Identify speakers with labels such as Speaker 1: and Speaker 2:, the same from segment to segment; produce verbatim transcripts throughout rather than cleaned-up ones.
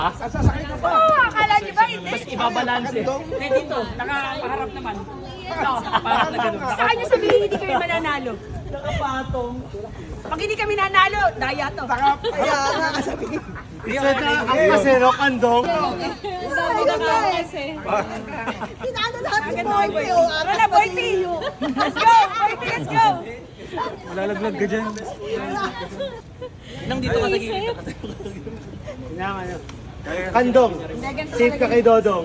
Speaker 1: Sasakay ka pa.
Speaker 2: Oo, akala niyo ba hindi?
Speaker 3: Mas ibabalance eh. Hindi dito, nakaharap naman. Ito, parang na ganun.
Speaker 2: Sa kanya sabihin hindi kami mananalo.
Speaker 3: Nakapatong.
Speaker 2: Pag hindi kami nanalo, daya to.
Speaker 1: Kaya nga kasabihin.
Speaker 4: Isa na ang kasero, kandong.
Speaker 1: Tinano lahat ng
Speaker 2: Agad
Speaker 1: boy
Speaker 2: boy,
Speaker 1: ko.
Speaker 2: Tara na, boy P. Let's go, boy P, let's go.
Speaker 4: Lalaglag ka dyan.
Speaker 3: Nang dito ka nagigita ka.
Speaker 4: Kailangan nyo. Kandong. Safe ka kay Dodong.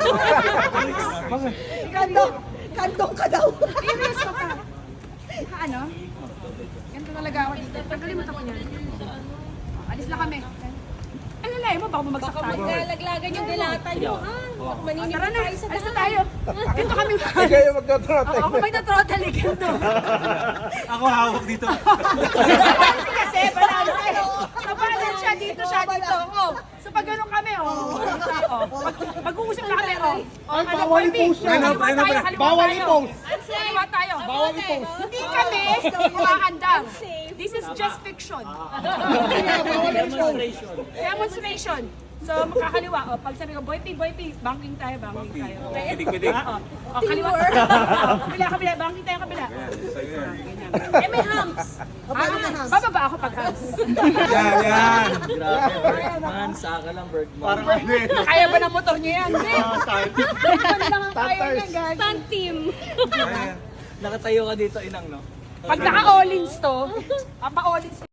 Speaker 1: Kandong. Kandong ka daw.
Speaker 2: Serious ka pa. Ano? Ganito talaga ako dito. Pagkalimutan ko niyan. Alis na kami. Ano na mo, baka bumagsak tayo.
Speaker 5: Laglagan yung dilata nyo, ha? Maninip
Speaker 2: Tara na,
Speaker 5: tayo sa
Speaker 2: alis na
Speaker 5: daan.
Speaker 2: tayo. Dito kami.
Speaker 1: Ikaw yung magtotrote.
Speaker 2: Ako magta-throttle eh, ganito.
Speaker 4: Ako hawak dito.
Speaker 2: Kasi, banalo eh. Kapalan siya dito, siya dito. Oh. So pag ganun kami, oh. oh. Pag, pag-uusap na kami, oh. Oh, ano,
Speaker 1: bawal
Speaker 2: Boy P?
Speaker 1: i-post yan.
Speaker 2: Kaliwa
Speaker 4: Ano,
Speaker 2: tayo,
Speaker 4: ano,
Speaker 2: kaliwa
Speaker 1: bawal
Speaker 2: tayo.
Speaker 1: i-post.
Speaker 2: Kaliwa tayo.
Speaker 1: Bawal i-post.
Speaker 2: Hindi kami umaandam. This is just fiction.
Speaker 3: Demonstration.
Speaker 2: Demonstration. So, makakaliwa. O, pag sabi ko, Boy P, Boy P, banking tayo, banking tayo.
Speaker 4: Pidik-pidik.
Speaker 2: O, o, kaliwa. O, kabila, kabila, banking tayo, kabila.
Speaker 5: Eh, may humps.
Speaker 2: Ah, bababa ako pag hands.
Speaker 4: Yan, yan.
Speaker 3: Grabe, Bergman. Saka lang, Bergman.
Speaker 4: Parang ano eh.
Speaker 2: Kaya ba ng motor niyo yan? Hindi. Ano lang ang kaya niya, gag.
Speaker 5: Stunt team.
Speaker 3: Nakatayo ka dito, inang, no?
Speaker 2: Pag naka-all-ins to, ang pa-all-ins